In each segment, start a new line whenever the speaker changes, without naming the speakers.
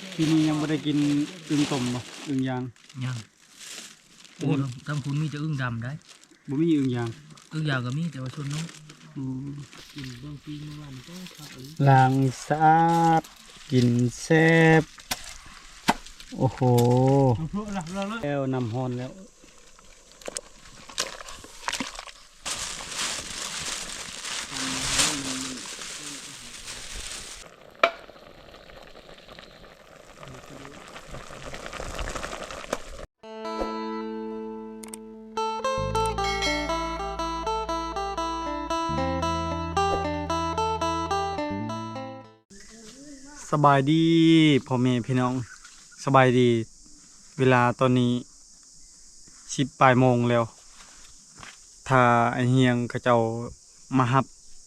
ทีนี้ยังไม่ได้กินอึ่งต้มบ่อึ่งยาง
ยังโอ้ทั้งคุณมีจะอึ้งดำได้
บ่มีอึ่งยาง
ก็มีแต่ว่าชนน้อง
กินบางทีเมื่อวานก็ครับล้างสะอาดกินแซ่บโอ้โหแล้วน้ำฮ้อนแล้วสบายดีพ่อแม่พี่น้องสบายดีเวลาตอนนี้10 โมงแล้วถ้าไอเฮียงเขาเจ้ามาฮับ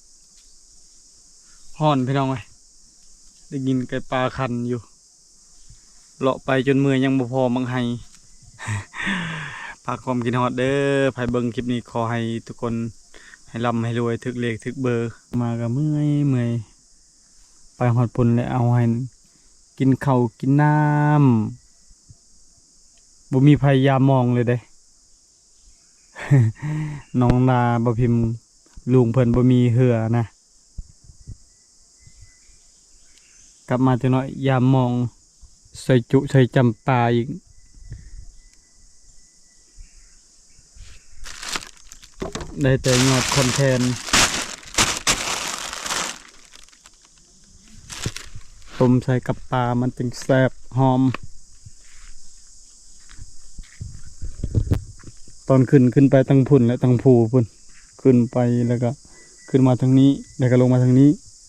ฮ้อนพี่น้องเอ้ยได้ยินไก่ปลาคันอยู่เลาะไปจนมือยังบ่พอมังไห้ ฝากความกินฮอดเด้อไผเบิ่งคลิปนี้ขอให้ทุกคนให้ร่ำให้รวยถึกเลขถึกเบอร์มาก็เมื่อยไปหอดปุ่นแล้วเอาให้กินข้าวกินน้ำบ่มีพยายามมองเลยเด้ น้องนาบ่พิมพ์ลุงเพิ่นบ่มีเหือนะกลับมาจังน้อยยามมองใส่จุใส่จำปาอีกได้แต่ยอดคอนเทนต์ต้มใส่กับปลามันจึงแซ่บหอมตอนขึ้นไปตั้งพุ่นและตั้งภูพุ่นขึ้นไปแล้วก็ขึ้นมาทางนี้แล้วก็ลงมาทางนี้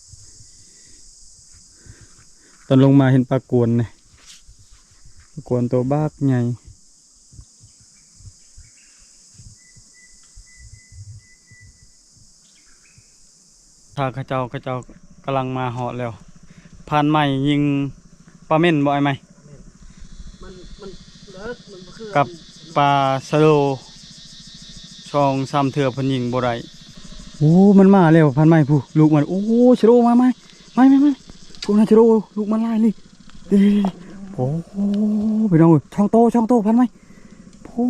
ตอนลงมาเห็นปลากวนเนี่ยปลากวนตัวบ้ากใหญ่ถ้าข้าเจ้ากำลังมาเหาะแล้วผ่านใหม่ยิงปลาเม่นบ่ไอ้ไหมกับปลาสะโลช่อง3 เถื่อพันยิงบ่ได้โอ้มันมาแล้วผ่านใหม่ผู้ลูกมันโอ้สะโลมาไหมไม่พวกนั้นสะโลลูกมันไล่เลยโอ้ไปน้องช่องโตผ่านไหมโอ้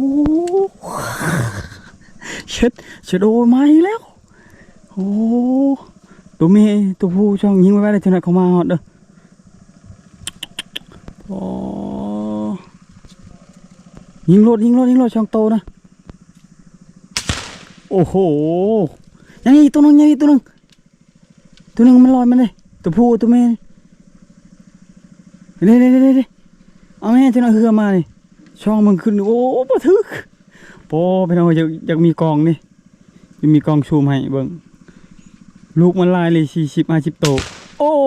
เช็ดสะโลมาอีกแล้วโอ้ตัวเมย์ตัวผู้ช่องยิงไว้ได้จังไหนเขามาหอดเด้อโอ้ยิงรถช่องโตนะโอ้โหยังอีกตัวนึงมันลอยมันเลยตัวผู้ตัวเมย์เด้เอาแม่จังไหนเฮือมาเลยช่องมันขึ้นโอ้ปะทึกโป้ไปเอาอยากมีกองนี่มีกองชูมให้เบิ่งลูกมันลายเลย40-50 โตโอ้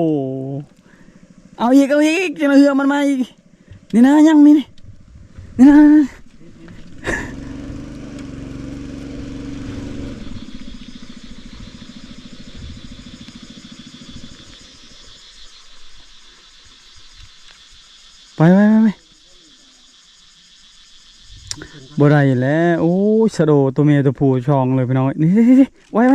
เอาอีกจะมาเหือมันมาอีกนี่นะยังนี่นะไปบ่ได้แล้วโอ้สะโดตัวเมียตัวผู้ช่องเลยพี่น้องนี่ไว้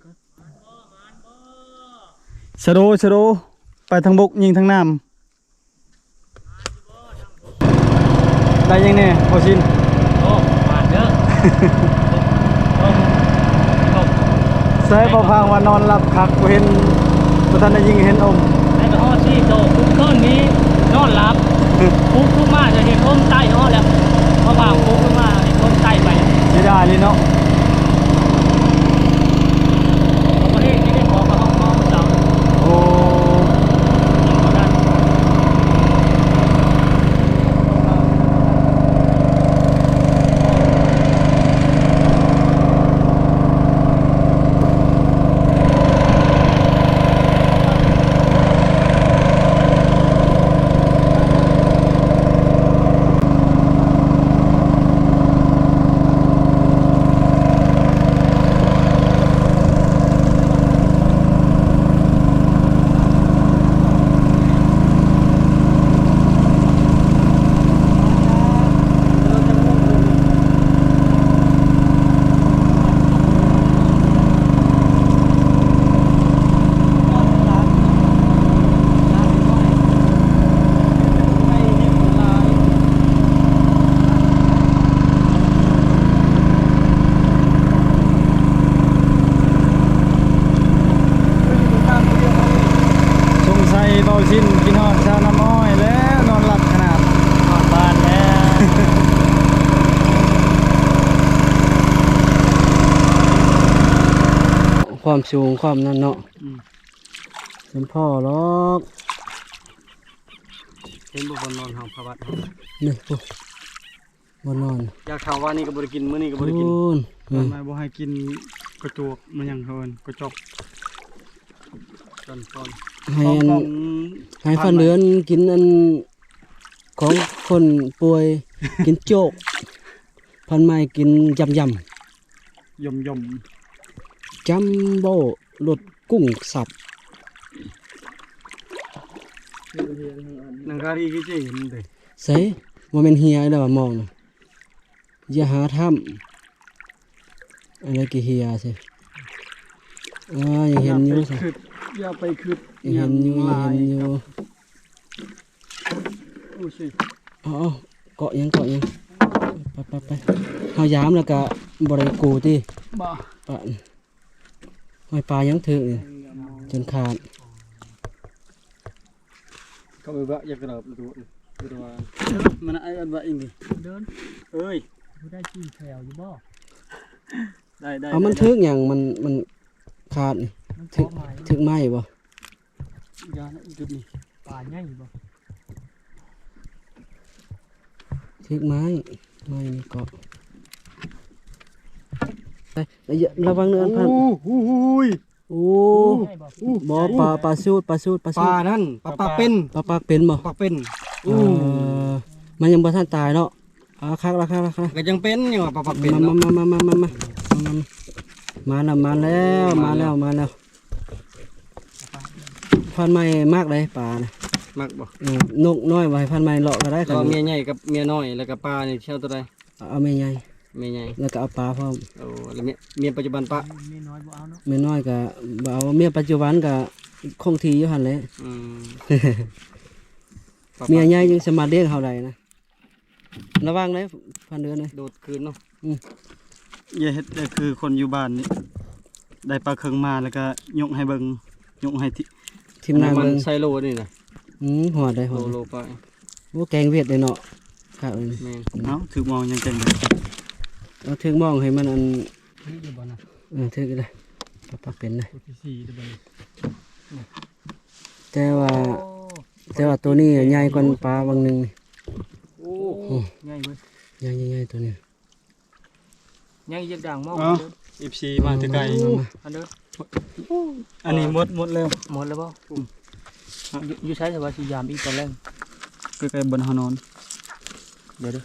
สะโดไปทางบกยิงทางน้ำได้ยังเนี่ยพอชิน
โอ้มาเยอะ
ใส่พอพังว่านอนหลับคักเห็นประธานได้ยิงเห็นอม
ไอ้กระห้อซี่โตคุ้มต้นนี้นอนหลับคุ้มมาจะเห็นอมใต้ห้อแล้วพอพังคุ้มมาเห็นอมใต้ไป
จะได้เลยเนาะ
ประเทศนี้ได้ขอกระห้องเจ้า
โอ้
ความสูงความนั่นเนาะ
อืม
เป็นพ่อหรอก
เห็นบ่บนนอนเฮาพระวัดเฮา
นี่ปุ๊บนนอน
อยากถามว่านี่ก็บ่ได้กินมื้อนี้ก็บ่ได้กิน
โอ้ย
ตอนมาบ่ให้กินกระจวกมันหยังเฮินกระจอกตอน
ให้
ของ
อัน
ของ
ให้ฟันเดือนกินอันของคนป่วย กินโจกพันไม้กินยำ
ยม
จัมโบ้รสกุ้งสับ
นังการีกี่เจเห็นเด้
ใส่ว่าเป็นเฮียแล้วว่ามองน่ะอย่าหาทำอะไรกี่เฮียสิยังเห็นอยู่สิ
อย่าไปคืด
ยังเห็นอยู่ยังเห็นอยู่
อู้ชิ
อ๋อเกาะยังไปเฮายามแล้วก็บ่ได้กูติ
บ่
ปะหอยปลายังถึกนี่จนขาด
ก็ไปบ่อยากกระดับดูว่ามันไอ้อันว่าอีนี่
เดิน
เอ้ย
กูได้จี้แถวอยู่บ่
ได้
เอามันถึกหยังมันขาดนี่
มัน
ถึ
ขอก ไม้
ถึกไหมบ่
ยานะจุดนี้
ป่าใหญ่บ่
ถึกไม้นี่เกาะไอ้ยระวังเนื้ออันพัน
อู้ย
โอ้
ใหญ่บ่
บ่ปลาสูด
ปลานั่นปลาเป็น
ปลาปากเป็นบ่
ปลาเป็น
เออมันยังบ่ทันตายเนาะคักละ
ก็ยังเป็นอยู่ว่าปลาเป็น
มา
เนาะ
มาแล้วพันไม้มากเลยปลานะ
มักบ่
นกน้อยไว้พันไม้เลาะก็ได้
แล้วเมียใหญ่กับเมียน้อยแล้วก็ปลานี่เช่าตัวใด
เอาแม่ใหญ่
เมียใหญ่
แล้วก็เอาปลาพร้อม
โอ้แล้วเมียปัจจุบันปะ
ไม่น้อยบ่เอาเนาะ
แม่น้อยก็บ่เอาเมียปัจจุบันก็คงที่อยู่หั่นแหละ
อืม
เมียใหญ่ยังสามารถเลี้ยงเฮาได้นะระวังเลยพันเดือนเลย
โดดคืนเนาะ
อย่า
เฮ็ดก็คือคนอยู่บ้านนี่ได้ปลาเคิงมาแล้วก็ยกให้เบิ่งยกให้ที่
ทีมงาน
มั
เบิ่ง
ใส่โลนี่นะ
หอดได้หอด
โลไป
โอ้แกงเวียดเลยเนาะครับ
แม่นเอ้าถือมองยังเก่งเลย
เอาถึงมองให้มันอัน
นี่อยู่บ่น่ะ
ถึงก็ได้ปลาเป็นเลย
ตัวที่สี่เด้อบ่นี่
แต่ว่า
โอ้
แต่ว่าตัวนี้ใหญ่กว่าปลาบางหนึงนี่
โอ้ใหญ่เว้ย
ใหญ่ตัวนี้
ใหญ่ยักด่างมอง
เอ้า FC มาแต่ไกล
อันเด้อ
อันนี้หมดแล้ว
หมดแล้วบ่อยู่ใช้แต่ว่าสิยามอีกตอนแรก
ใกล้ๆบนหานอน
เดี๋ยว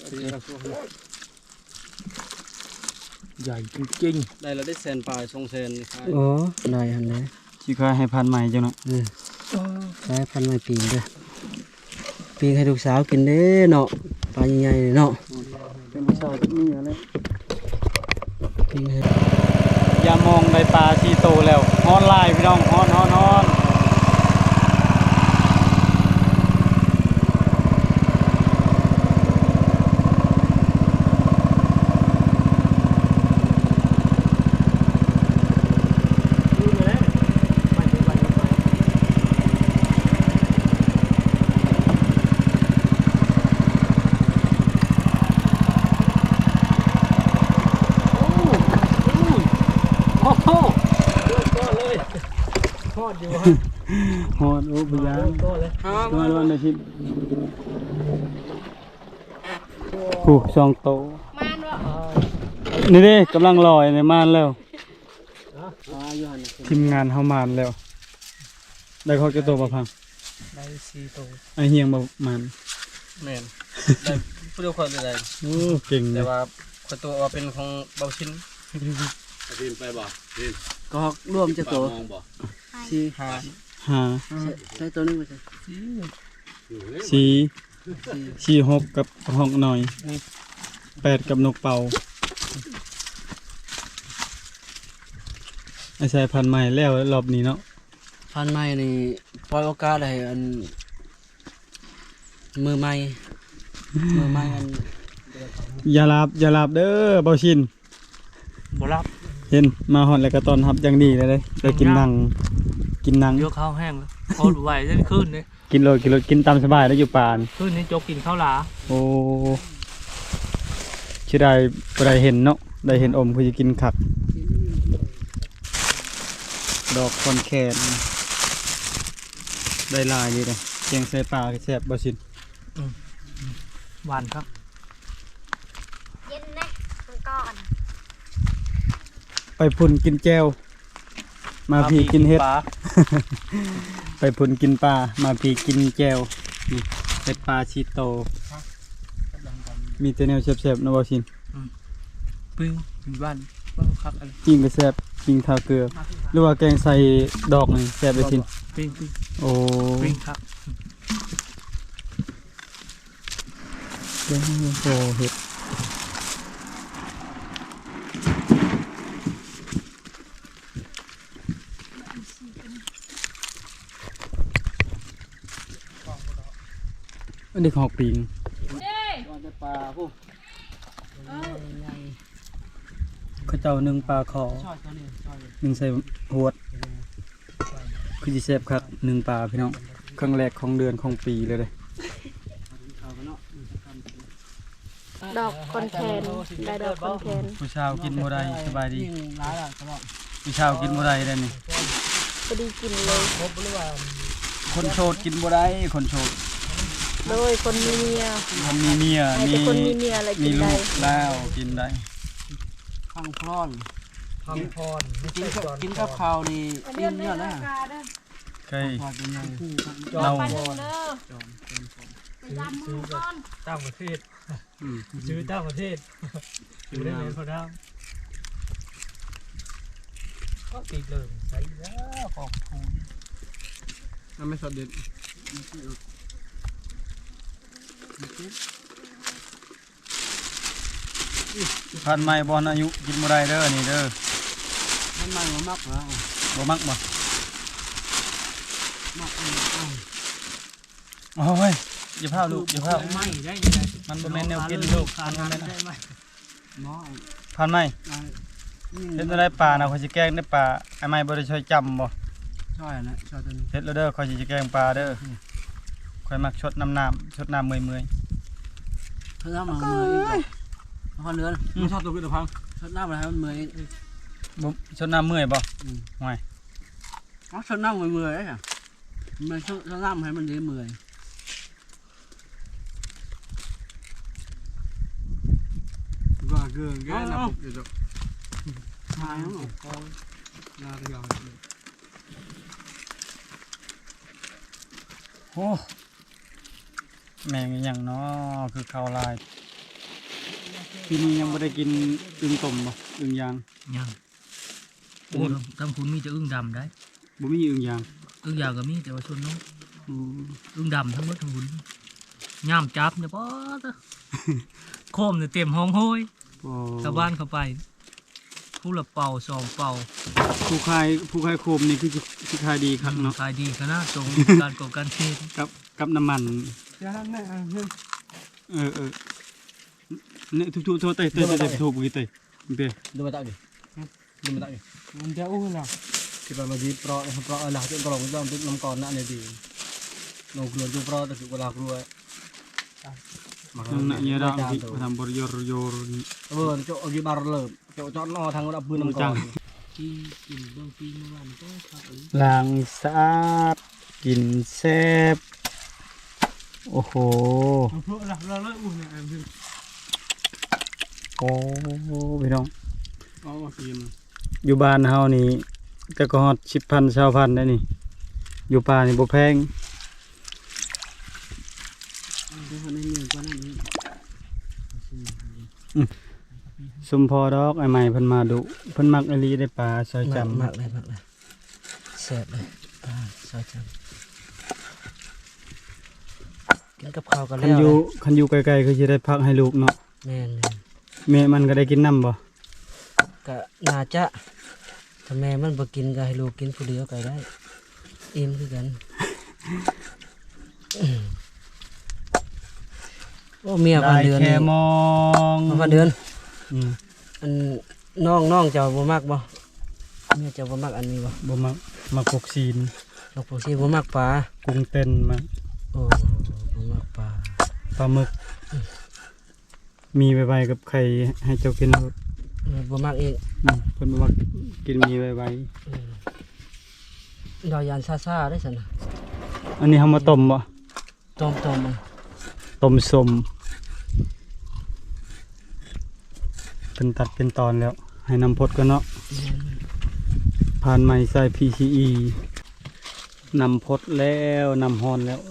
ใหญ่จริง
ได้แล้วได้แสนปลาย2แสนนี่ครับ
อ๋อได้หันเลย
สิขายให้พันใหม่จังเนาะ
ๆ
ใช้พันไม้ปีงเด้อปีงให้ลูกสาวกินเด้เนาะปลาใหญ่ๆเนาะ
เป็นผู้ชายมีอะไร
ปีงให้
อย่ามองได้ปลาที่โตแล้วฮอนไลน์พี่น้องฮอน
ดูเลยไปไป โอ้โหเริ่มต้นเลยทอดอยู่ฮะ
ฮอนโอ้บยา
เริ่มต้นเลย
ตัวร้อนได้ชิผู้สองโตนี่เด้กำลังลอยในม่านแล้วทีมงานเฮามานแล้ว ได้เขาจะโตมาพัง
ได้สี่ตัว
ไอเฮียงบ่มัน
แม่นได้ผู้เดียวคนได้
โอ้เก่งเล
แต่
ย
ว่าคนตัวว่าเป็นของเบาชิ้น
ดินไปบ่ดิน
ก็ร่วมจะ
ป
โต
ลามองบ่
สี่
หา
หา
ใช้ตัวนึงไปใช่
สี่หกกับห้องหน่อย8กับนกเป่าไอสายพันธุ์ใหม่แล้วรอบนี้เนาะ
พันไม้นี่ปล่อยโอกาสให้อันมือใหม่อัน
อย่าหลับเด้อเบาชิน
บ่รับ
เห็นมาหอดแล้วก็ตอนรับอย่างดีเลยได้กินหนัง
ยกข้าวแห้งแล้วพอดูไหวจะขึ้นเลย
กินโลดกินตามสบายแล้วอยู่ป่าน
ขึ้นนี้จกกินข้าวหลา
โอ้ชื่อได้บ่ได้เห็นเนาะได้เห็นอมคือจะกินขักดอกคอนแคนได้ลายดีเลยแกงใส่ปลาแซ่บบ่สิน
หวานครับ
เย็นนะมันก่อน
ไปพุ่นกินแจ่วมาพี่กินเฮ็ด
ปลา
ไปพุ่นกินปลามาพี่กินแจ่วนี่เฮ็ดปลาชีโต มีแต่แนวแซ่บๆนะบ่สิน
ปิ้งบ้านครับอะไร
ปิ้งก็แซ่บปิ้งทาเกลือ หรือว่าแกงใส่ดอกนี่แซ่บไปสิน
ปิ้ง
โอ้
ปิ้งครับ
โอ้โหเฮ็ดอันนี้ของปิงปลาพวกเขาเจ้านึ่งปลาขอนึ่งใส่หวดคือสิแซ่บครับนึ่งปลาพี่น้องครั้งแรกของเดือนของปีเลย
ดอกคอนแคนได้ดอกคอนแคน
ผู้ชาวกินบ่ได้สบายดีผู้ชาวกินบ่ได้ได้นี่
พอดีกินเลย
คนโสดกินบ่ได้คนโสด
โดยคนมีเมีย
คนมีเมีย
ให้แต่คนมีเมียอะไร
มี
กิน
ลู
ได้
กแล้วกินได้
ข้างพร้อน
ทำพร
กินกับข้าวนี่อิ่มเยอะนะ
เคย
พอเป็นยัง
เรา
ต่างประเทศซื้อต่างประเทศอยู่ได้เลยพอดามก็ติดเลยใส่แล้วขอบคุณ
น้ำไม่สดเด็ดพันไม้บอลอายุกินบ่ได้เด้อนี่เด้อ
มันมันมักแล้ว
บ่มักบ่โอ้ยอย่าพาลูกอย่าพา
ไม่ได้ยังไง
มันบ่แม่นแนวกินลูกมันบ่แม่น
ได้ไหม
หมอ
พันไม้เฮ็ดบ่ได้ปลานะข่อยสิแกงได้ปลาไอ้ไม้บ่ได้ช่วยจำบ่
ช่วยนะช่วยตัวนี้
เฮ็ดแล้วเด้อข่อยสิแกงปลาเด้อข่อยมักชดน้ำชดน้ำเมื่อย
ถ้าน้ำมันมืออีกพอเนื้อ
ๆชอบตัวขึ้นตะพัง
ถ้าน้ำมันให้มันมืออีก
บ่ชดน้ำเมื่อยบ่ห่วย
อ๋อถ้าน้ำมันมือได้ค่ะมันถ้าน้ำให้มันดีมือ
ว่าเกือแกนะปุ๊บเดี๋ยว
หายแล้ว
นาเรียวโอ้แม่งอหย่างเนาะคือข้าวลายปีนี้ยังไม่ได้กินอึ่งต้มบ่อึ่งยาง
ยังโอ้ทำคุณมีจะอึ้งดำได้
บ่มีอึ่งยาง
อึ้งยาวก็มีแต่ว่าชนน้อง
อืม
อึ้งดำทั้งหมดทั้งหุ่นย่ามจับเนี่ยป๊อดอะโคมเนี่ยเต็มห้องห้อย
โอ้
ชาวบ้านเข้าไปผู้ละเป่าสองเป่า
ผู้ขายโคมนี่คือขายดีครับเนาะ
ขายดีขนาดตรงการก่อการเทศ
กับน้ำมัน
ย่าแม่เฮ้ย
เออเนี่ยทุบๆเตะทุบๆกี่เตะเป้
ดูมาตักดิดูมาตักดิมันจะอู้หรอที่ไปมาดีเปราะหลักจนกระหล่ำต้องติดน้ำก่อนนั่นเลยดีลงกลัวจูเปราะแต่คือเวลากลัว
นั่นน่ะเนี่ยเราที่ทำบริยรโยนี่
โจกีบาร์เลิมโจจอดนอทางระดับพื้นน้ำก่อน
ที่กินเบื้องปีเมื่อวานก็ครับ
ล้างสะอาดกินแซ่บโอ้โห
เพราะเราเลิกอุ่นเนี่ย
โอ้พี่น้อง
อ๋อกิน
อยู่บ้านเฮานี่แต่ก็ฮอด10,000 20,000ได้นี่อยู่ป่านี่บ่แพง
ดูคนนี้เหนื่อยกว่านั้น
สมพอดอกไอ้ใหม่เพิ่นมาดุเพิ่นมักอหลีได้ปลาซอยจำ
มากเลยแซ่บเลยซอยจังกินกับข้าวกัน
คั
แล้
น
ว
อยู่ไกลๆคือสิได้พักให้ลูกเนาะ
แม่น
แม่มันก็ได้กินน้ำบ่
ก็น่าจะถ้าแม่มันบ่กินก็ให้ลูกกินผู้เดียวก็ได้อิ่มคือกันโอ้เมียพันเดือน
แค่
นี่
มอง
พันเดือน
อืม
อันน้องเจ้าบ่มักบ่เมียเจ้าบ่มักอันนี้บ่
บ่มักพวกซีน
ลูกผู้ชีบ่มักปลา
กุ้งเต้นมัก
โอ้บ่มักปลา
ปลาหมึก มีไว้ๆกับไข่ให้เจ้ากินครับ
บ่มักอีก
เพิ่นบ่มักกินมีไว้
อืมดอยยานซ่าๆได้ซั่นน่ะ
อันนี้เฮามาต้มบ่
ต้มมัน
ต้มสมเป็นตัดเป็นตอนแล้ว ให้น้ำพดกันเนาะผ่านไม้ใส่ PCE นำพดแล้วนำฮอนแล้ว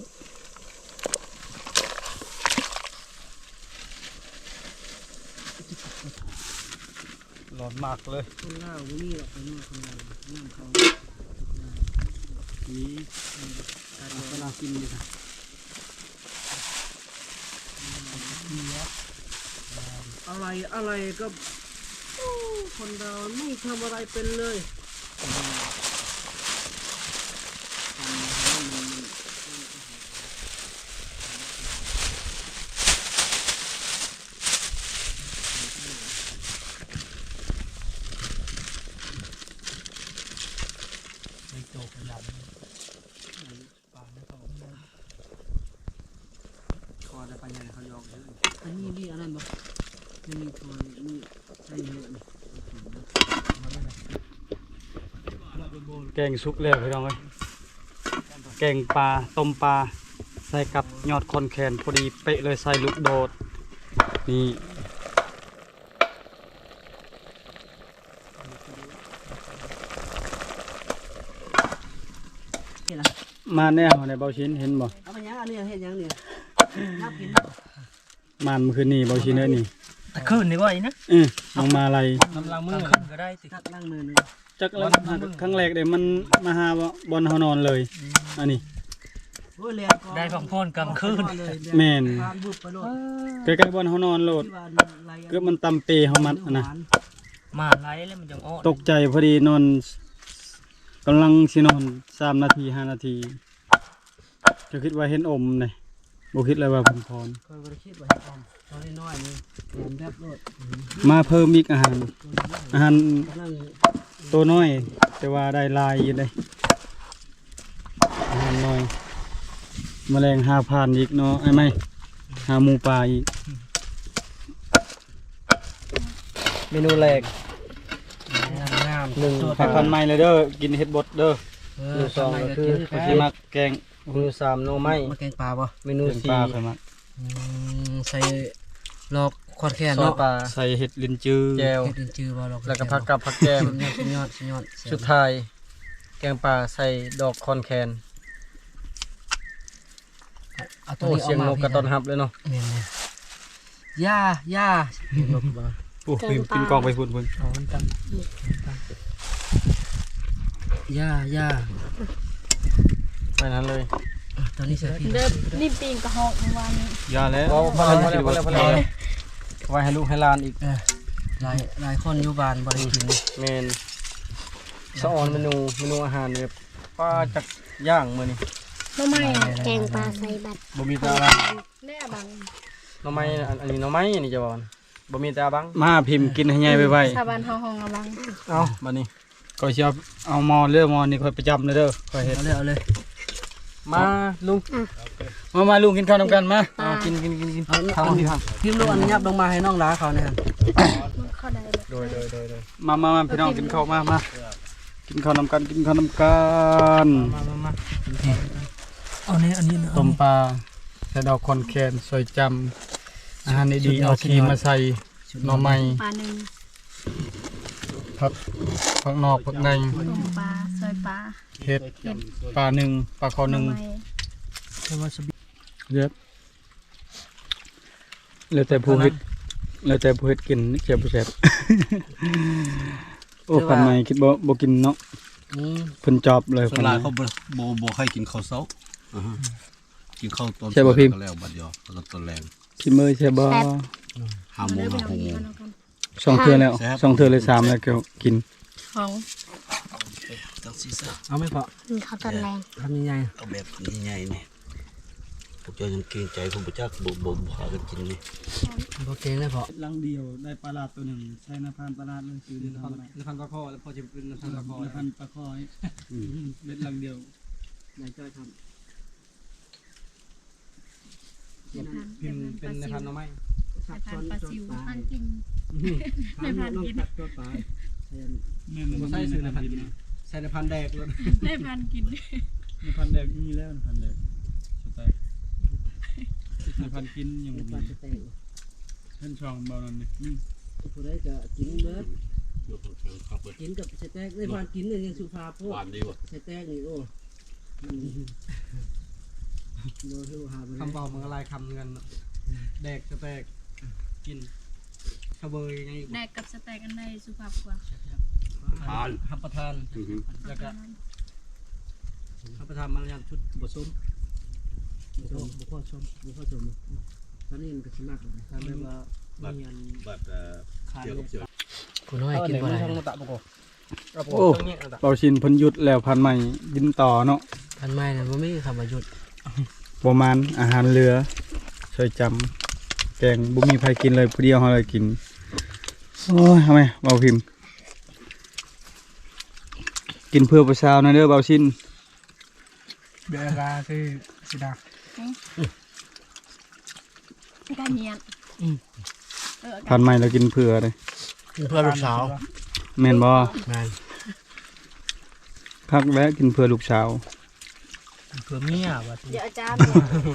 ร้อนมากเลย
คนลาวบ่มีหรอกไปนู่นคนลาวน้ำเขา
นี่กำลังกินอยู่ค่ะ
อะไรก็คนเราไม่ทำอะไรเป็นเลย
ไม่โตขยันปลาไม่เขา
คอจะไปยังเขายอกเยอะ
อันนี้นี่อันนั้นบ่นี่ตัวนี่ใส่เยอะนี่
แกงสุกแล้วพี่น้องเอ้ยแกงปลาต้มปลาใส่กับยอดคอนแคนพอดีเป๊ะเลยใส่ลูกโดดนี่มาแน่ในเบาชิ้นเห็นบ่
เอาไปยังอันนี้เฮ็ดยังเนี่ยนับกิน
มันเมื่อคืนนี้เบาชิ้นเอ้ยนี่
ตะคืนนี่ว่าอีนะ
น้องมาอะไร
กำลังมือขึ้นก็ได้ติ
ตักล้างมือนึง
จักแล้วครั้งแรกเดี๋ยวมันมาหาบอลเฮานอนเลยอันนี้
โอ้ยเรียน
ได้พักผ่อนกลางคืน
แม่น
ผ่านบุบไปโลด
ใกล้ๆบอลเฮานอนโลด
ที่ว่าไหล
เกือบมันตำเปเฮามันอะนะ
มาไล่แล้วมันยังอ้อ
ตกใจพอดีนอนกำลังสินอน3 นาที 5 นาทีจะคิดว่าเห็นอมเลยบ่คิดเลยว่าผมพร
คอยบ่ได้คิดว่าออมตอนน้อยๆนี่แหลมแบบโลด
มาเพิ่มอีกอาหาร อาหาร
กำลัง
ตัวน้อย แต่ว่าได้ลายอยู่เลยอาหารน้อยแมลง5,000อีกเนาะไอ้ไม่หาหมูปลาอีกเมนูแรก
งาม
ผักพันไม้เลยเด้อกินเห็ดบดเด้อ
เมนูสองก็คือ
ข้อยสิมักแกง
เมนูสามโนไม้มาแกงปลาบ่เมนู
แกงป
สี่
ลาค่อยมัก
ใส่ลอกคอดแคน
ซอย
เนาะ
ปลา
ใส่เห็ดลิ้นจือ
แจว
เฮ็ดเป็นจือบ่ลอก
แล้วก็ผักกับผักแก้ม
สุดยอดสุดยอด
สุดท้ายแกงปลาใส่ดอกคอนแคน
เอาตัว
โอ้
นี้
เสียงนกกระตอนหับเลยเนาะ
เนี่ยย่าลกบ่
โอ้ยกินกองไปพุ่น
อ๋อมันตั้ง
ย่า
ไปนั้นเลย
ตอนนี้ใส่พริก
เดิมนี่ปีนกระหอกเมื่อวานนี้
ยาแล้ว
พอแล้วไว้ให้ลูกให้หลานอีก
หลายคนอยู่บ้านบ่ได้กิน
เมนสะออนเมนูอาหารเนี่ยปลาจักย่างมื้อนี้
หน่อไม้แกงปลาใส่บัตร
บ่มีแต่อาบัง
แน่บัง
หน่อไม้อันนี้หน่อไม้อันนี้จะบอกนะบ่มีแต่อาบัง
มาพิมพ์กินให้ใหญ่ไว้
ชาวบ้านเฮาห้องระบัง
เอาบัดนี้
ก็สิเอามอเลือกมอนี่ค่อยประจำเลยเด้อค่อยเฮ็ด
เอาเลย
มาลุง
มาลุงกินข้าวนำกันมา
เอากิน
ทำที่ทำพิมพ์ลูกอันยับลงมาให้น้องล้าเขาเนี่ย
มันเข้าได้เลย
โดย
มาพี่น้องกินข้าวมากินข้าวนำกัน
มาเอาเนี่ยอันนี้นะ
ต้มปลาใส่ดอกคอนแคนซอยจำอาหารดีๆเอาครีมมาใส่หน่อไม้
ปลาหนึ่ง
ผักนอกผักใน
ต้มปลาซอยปลา
เห็ดปลาหนึ่งปลาคอหนึ่ง
หน่อไม้
เยอะแล้วแต่ผู้เฮ็ดกินเจ็บบ่แซ่บ โอ้พันใหม่คิดบ่กินเนาะเพิ่นจอบเลย
ส่วนหลายเขาบ่ให้กินข้าวเช้ากินข้าวตอน
ใช่ป่ะพิมพ์
ก็แล้วบัดเดียวแล้วก็ตอนแรง
สิมื้อใช่บ่
5 โมง
ไป
6 โมง
สองเทื่อแล้วสองเทื่อเลยสามแล้วก็กิน
ของ
จังซี่ซะ
เอาไม่พอ
ข้าวตอนแรง
ทำยังไง
เอาแบบใหญ่ๆนี่พวกเจ้ายังเกรงใจผมบ่จักบ่พากันกินนี่
โอเคเลยพอ
ลังเดียวได้ปลาลาดตัวหนึ่งใช้น้ำพันปลาลาดเลยคือน้ำพัน
พันปลาคอแล้วพอจะเป็นพันปลาคอ
น้ำพันปลาคอยเม็ดลังเดียว
ไหนจ้อยท
พิมพ์เป็นในพันหน่อไม้
ำ
ปลาปลาซิวพันกิน
ไม่พันกินตัวปลา
แม่น
บ่ใช่ซื้อในพันกิน
ใส่ในพันแดกเลย
ได้พันกิน
ในพันแดกมีแล้วในพันแดกสไตล์ในพันกินยังบ่มีเพิ่นช่องเบานั่นนี่
ผู้ใดก็กินเบิดกินกับใส่แตกในพันกินเนี่ยยังสุภาพพวก
หวานดีว่ะ
ใส่แตกนี่โอ้คำบอกมันอะไรคำกันแดกสแตกกินขบเบยไง
แดกกับสเต็กอันใดสุภาพกว่า
ทาน
หับประทานแล้วก็หับประทานมันยังชุดบดส้มบุพ่อชมตอนนี้มันก็ชิมากเลยทำได้ว่ามีอัน
แบบ
ขาด
เจียว
เล
กับ
ย
เจียว
คุณน้อยกินบ่ได้
ช่องตะปกโอ้
โอ้เบาชินเพิ่นหยุดแล้วพันใหม่กินต่อเนาะ
พันไม้น่ะบ่มีคำว่าหยุด
ประมาณอาหารเรือช่วยจำแกงบุมีใครกินเลยผู้เดียวเขาเลยกินโอ้ยทำไมเบาพิมพ์กินเพื่อประชานะเด้อเบาชิน
เบียร์กาคือสิดา
การเนียน
พันใหม่เรากินเพื่อเลย
เพื่อลูกสาว
แม่นบ่
แม่น
คักแวะกินเพื่อลูกสาว
เพื่อเมียว่า
เดี๋ยวอาจารย์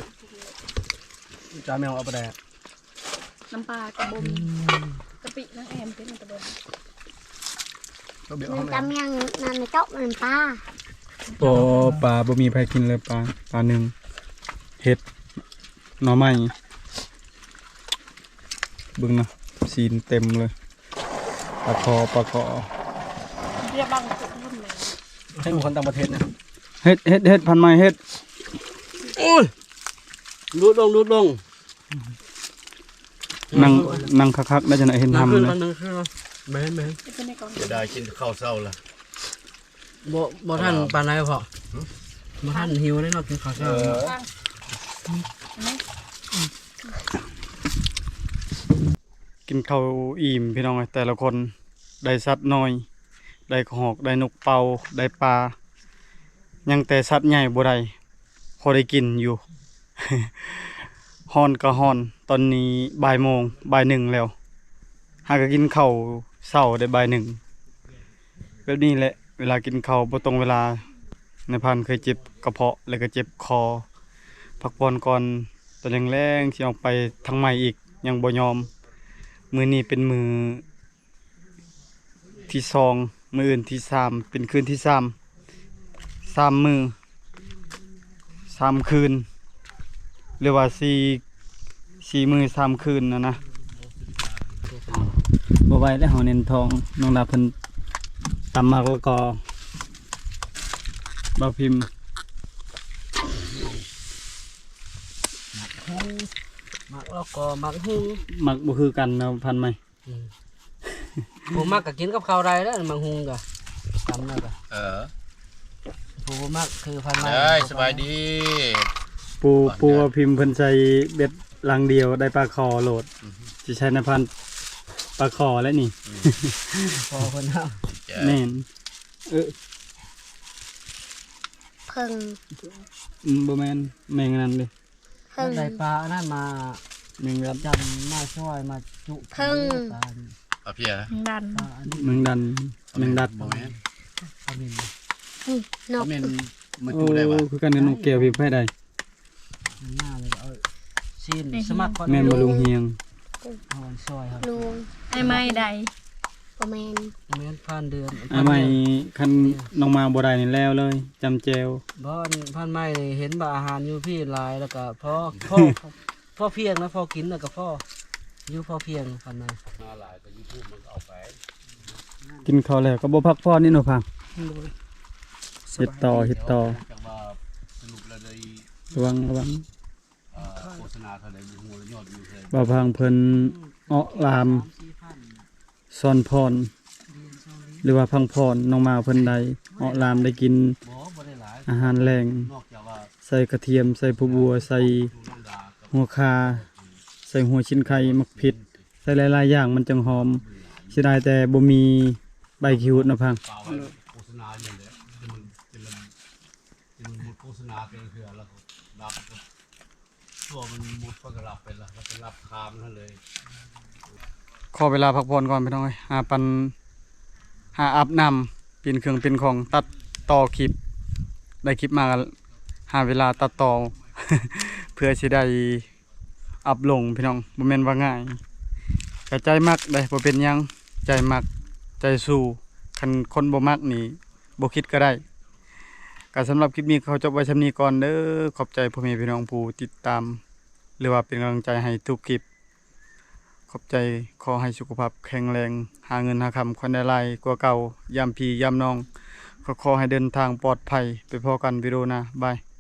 จ้าแมวเอาไปแดก
น้ำปลากระบมกะปิน้ำแอมเป็นกระบม
ก็เบียร์
มั
เอา
น
แม
จำ
ว
ยังนั่นในโต๊ะมันป้า
โอ้ปลาบ่มีใครกินเลยปลาหนึ่งเห็ดหน่อไม้เบึงนะซีนเต็มเลยปลาคอ
เรียบบังจุดรุ่นแมว
ให้บุคคลต่างประเทศนะ
เฮ็ดพันไม้เฮ็ด
รูดลง
นั่งคักๆได้จังได๋เห็นทำเลย
นึงคือแม่น
จะเป็นในกอง
จะได้กินข้าวเช้าละ
บ่ทันปานใดพอบ่ทันหิวได้เนาะกินข้าวเช้า
ตั้งเห็นไหม
กินข้าวอิ่มพี่น้องเอ้ยแต่ละคนได้สัตว์น้อย ได้หอกได้นกเป่าได้ปลายังแต่สัตว์ใหญ่บ่ได้พอได้กินอยู่ ฮ้อนก็ฮ้อน ตอนนี้บ่ายโมงบ่ายหนึ่งแล้วหากก็กินข้าวเช้าได้บ่ายหนึ่งแบบนี้แหละเวลากินข้าวบ่ตรงเวลาในพันเคยเจ็บกระเพาะแล้วก็เจ็บคอพักผ่อนก่อนตอนแรงๆสิออกไปทางใหม่อีกยังบ่ยอมมื้อนี้เป็นมื้อที่สองมื้ออื่นที่สามเป็นคืนที่3มื้อ3คืนหรือว่า4มื้อ3คืนนะบ่ไหวแล้วเฮาเน้นทองน้องดาเพิ่นตำมากแล้วก็บ่พิมพ์
มักแล้วก็มักหุง
มักบ่คือกันเนาะพันไหม
ผู้มักก็กินกับข้าวได้แล้วมักหุงก็ตำแล้วก็ ผู้บ่มักคือพันไม้
ได้สบายดี
ปูว่าพิมพ์เพิ่นใช้เบ็ดลังเดียวได้ปลาคอโหลดสิใช้ในพันปลาคอแล้วนี่
พอเพิ่นเอา
แม่น
เพิ่ง
บ่แม่นแม่งนั้นเลย
เพิ่ง
ได้ปลาอันนั้นมา
แม่งรัด
จำมาช่วยมาจุ
เพิ่ง
ปลา
เอาเพีย
ดัน
อันนี้
แม่งดันแม่งดัด
บ่แม่น
ปลาบิน
นก
แม่นมัน
โอ้
จูได้วะ
คือกันกับนกแก้วพิมพ์ให้ได้
มันหน้าเลยเอาซีนสมัครก่อน
แม่นบ่ลุงเฮียง
เอาอันช่วยครับ
ลุง
ไอ้ไม้ใด
ประแมน
แม่นผ่านเดือน
อ้ายใหม่คันน้องมาบ่ได้นี่แล้วเลยจำแจว
บ่อนผ่านไม้นี่เห็นบ่าอาหารอยู่พี่หลายแล้วก็พอพ่อเพียงนะพอกินแล้วก็พออยู่พอเพียงผ่านไม้
มาหลายก็ YouTube มันก็เอาไป
กินข้าวแล้วก็บ่พักผ่อนนี่เนาะพังเฮ็ดต่อ
จังว่าสรุปแล้วได้
ระวัง
โฆษณาเท่าไหร่บ่ฮู้แล้วยอดวิวเท่าไหร่
บ่าวพังเพิ่นออกลามซ่อนพร หรือว่าพังพรน้องมาเพิ่นใดออกลามได้กิน
บ่ได้หลาย
อาหารแรง
นอกจากว่า
ใส่กระเทียมใส่ผักบัวใส่
ดูน้ำดากับ
หัวคาใส่หัวชิ้นไข่มักผิด ใส่หลายๆอย่างมันจังหอมเสียดายแต่บ่มีใบคิวนะพัง
เปล่าไว้โฆษณาอย่างเดียวมันเป็นละมันหมดโฆษณาไปเถื่อแล้วก็รับก็ตัวมันหมดก็รับไปละแล้วก็รับคามนั่นเลย
ขอเวลาพักผ่อนก่อนพี่น้องเอ้ยหาอาบน้เปลี่ยนเครื่องเป็นของตัดต่อคลิปได้คลิปมาหาเวลาตัดต่อ เพื่อสิได้อัพลงพี่น้องบ่แม่นว่าง่ายก็ใจมักได้บ่เป็นหยังใจมักใจสู้คันคนบ่มักนี่บ่คิดก็ได้ก็สำหรับคลิปนี้เขาจบไว้ส่ำนี้ก่อนเด้อขอบใจพ่อแม่พี่น้องผู้ติดตามหรือว่าเป็นกำลังใจให้ทุกคลิปขอบใจขอให้สุขภาพแข็งแรงหาเงินหาคำคนได้หลายกว่าเก่ายามพี่ยามน้องขอให้เดินทางปลอดภัยไปพอกันวิดีโอหน้าบาย